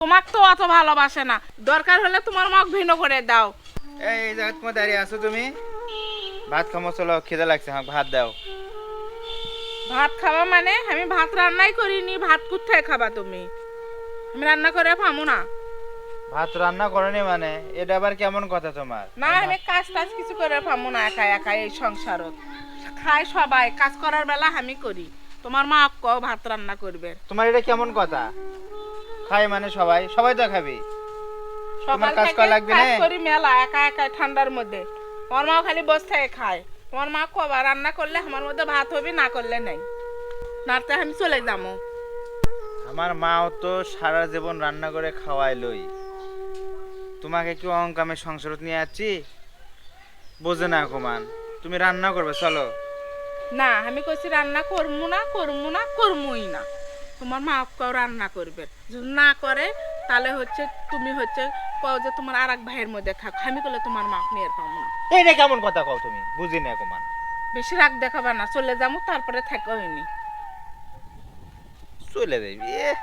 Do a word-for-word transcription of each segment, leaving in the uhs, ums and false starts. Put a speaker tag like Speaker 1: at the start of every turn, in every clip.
Speaker 1: তোমাক তো অত ভালোবাসে না, দরকার হলে তোমার মুখ ভিন্ন করে দাও।
Speaker 2: এই এই জায়গায় তোমার দাঁড়িয়ে আছো তুমি? ভাত খামো, চলো, খিদে লাগছে, আমাকে ভাত দাও।
Speaker 1: ভাত খাবা মানে? আমি ভাত রান্নাই করিনি, ভাত কোথায় খাবা তুমি? আমি রান্না করে খামু না।
Speaker 2: ভাত রান্না করনি মানে এটা আবার কেমন কথা তোমার?
Speaker 1: না, আমি কাজ টাজ কিছু করে খামু না, একা একা এই সংসারত খায় সবাই, কাজ করার বেলা আমি করি। তোমার মা কও ভাত রান্না করবে।
Speaker 2: তোমার এটা কেমন কথা? খাই মানে সবাই সবাই তো খাবি।
Speaker 1: সকাল
Speaker 2: কাজ
Speaker 1: থেকে
Speaker 2: করা লাগবে
Speaker 1: কাজ
Speaker 2: না?
Speaker 1: করি মেলা, একা একা ঠান্ডার মধ্যে। তোমার মা খালি বসে থেকে খায়। তোমার মা কবা রান্না করলে আমার মধ্যে ভাত হবে, না করলে নেই। নাতে আমি চলে যাবো।
Speaker 2: আমার মাও তো সারা জীবন রান্না করে খাওয়াই লই, তোমাকে কি অহংকামে সংসারত নিয়ে যাচ্ছি? বোঝে না কমান, তুমি রান্না করবে, চলো।
Speaker 1: না, আমি কইছি রান্না করমু না, করমু না, করমুই না। তোমার মা কেউ রান্না করবে, যদি না করে তাহলে হচ্ছে তুমি হচ্ছে কও যে তোমার আর এক ভাইয়ের মধ্যে থাক। আমি করলে তোমার মা নিয়ে পাবো না।
Speaker 2: এইটা কেমন কথা কও তুমি? বুঝি না কমান।
Speaker 1: বেশি রাগ দেখাবা না, চলে যাবো, তারপরে থাকা হয়নি।
Speaker 2: চলে যাবি? এ,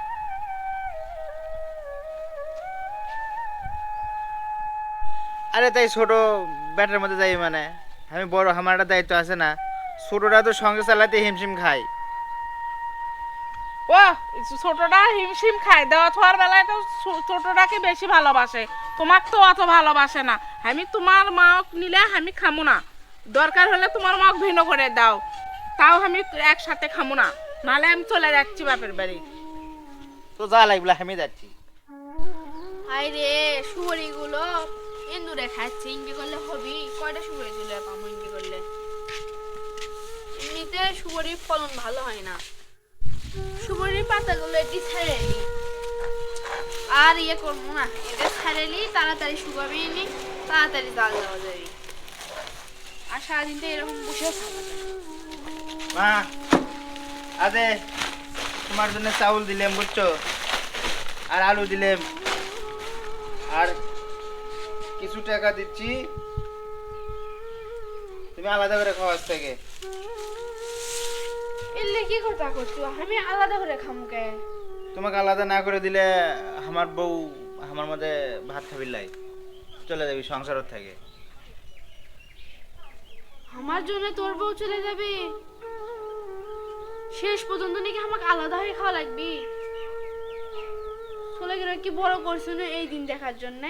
Speaker 2: আরে তাই ছোট ব্যাটার মধ্যে যাই মানে? আমি বড়, আমার একটা দায়িত্ব আছে না? ছোটরা তো সঙ্গে চালাতে হিমশিম খাই।
Speaker 1: ও ছোটটা হিমশিম খায়, দেওয়া থার বেলায় তো ছো- ছোটটাকে বেশি ভালোবাসে, তোমাক তো অত ভালোবাসে না। আমি তোমার মাক নিলে আমি খামু না, দরকার হলে তোমার মাক ভিন্ন করে দাও, তাও আমি একসাথে খামু না, নাহলে আমি চলে যাচ্ছি বাপের বাড়ি।
Speaker 2: তো যা লাগবে, আমি যাচ্ছি।
Speaker 3: হায় রে, শুয়োরিগুলো ইন্দুরে খাচ্ছে, ইনকে করলে হবি? কয়টা শুয়োরি তুলে পাবো ইনকে করলে? এমনিতে শুয়োরির ফলন ভালো হয় না। শুয়োরির পাতাগুলো এটি ছেড়ে নি, আর ইয়ে করবো না, এটা ছেড়ে নি, তাড়াতাড়ি শুকাবি নি, তাড়াতাড়ি জাল দেওয়া যাবে। আর সারাদিন তো এরকম বসেও থাকা যায়।
Speaker 2: মা, আদে তোমার জন্য চাউল দিলাম, বুঝছো? আর আলু দিলাম, আর কিছু টাকা দিচ্ছি, তুমি আলাদা করে খাওয়া থেকে।
Speaker 3: এলে কি কথা করছো? আমি আলাদা করে খামু কে?
Speaker 2: তোমাকে আলাদা না করে দিলে আমার বউ আমার মধ্যে ভাত খাবি লাই, চলে যাবি সংসার থেকে।
Speaker 3: আমার জন্য তোর বউ চলে যাবে? শেষ পর্যন্ত নাকি আমাকে আলাদা হয়ে খাওয়া লাগবে? চলে গেলে কি বড় করছো না এই দিন দেখার জন্য?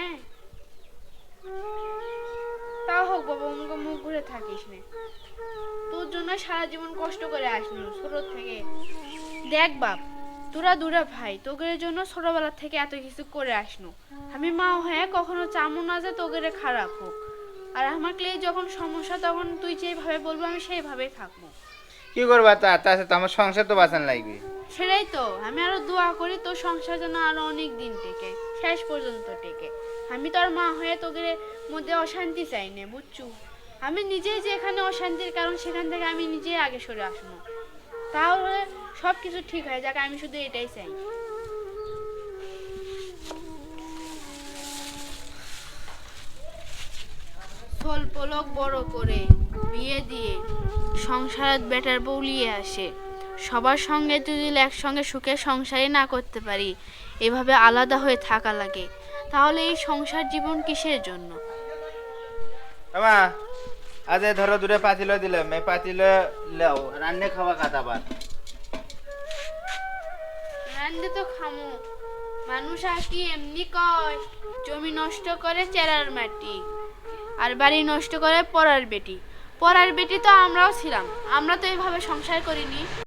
Speaker 3: তাও হোক বাবা, আমাকে মুখ ঘুরে থাকিস না। তোর জন্য সারা জীবন কষ্ট করে আসলো ছোট থেকে। দেখ বাপ, তোরা দুরা ভাই, তোদের জন্য ছোটবেলা থেকে এত কিছু করে আসনো। আমি মা হয়ে কখনো চামো না যে তোদের খারাপ হোক। আর আমাকে যখন সমস্যা, তখন তুই যেভাবে বলবো আমি সেইভাবেই থাকবো।
Speaker 2: কি করবা? তা তাছে তো আমার সংসার তো বাঁচান লাগবে।
Speaker 3: সেটাই তো, আমি আরো দোয়া করি তোর সংসার যেন আরো অনেক দিন টেকে, শেষ পর্যন্ত টেকে। আমি তোর মা হয়ে তোদের মধ্যে অশান্তি চাই না, বুঝছু? আমি নিজেই যে এখানে অশান্তির কারণ, সেখান থেকে আমি নিজেই আগে সরে আসবো, তাহলে সব কিছু ঠিক হয়ে যাক। আমি শুধু এটাই চাই। স্বল্প লোক বড় করে বিয়ে দিয়ে সংসারের বেটার বউলিয়ে আসে। সবার সঙ্গে যদি একসঙ্গে সুখে সংসারই না করতে পারি, এভাবে আলাদা হয়ে থাকা লাগে, তাহলে এই সংসার জীবন কিসের জন্য?
Speaker 2: আমা, আজ ধরো দূরে পাতিল দিলাম, এই পাতিল লেও রান্নে খাওয়া কাটা ভাত।
Speaker 3: রান্দে তো খামো, মানুষ আর কি এমনি কয়, জমি নষ্ট করে চেরার মাটি, আর বাড়ি নষ্ট করে পরার বেটি। পরার বেটি তো আমরাও ছিলাম, আমরা তো এইভাবে সংসার করিনি।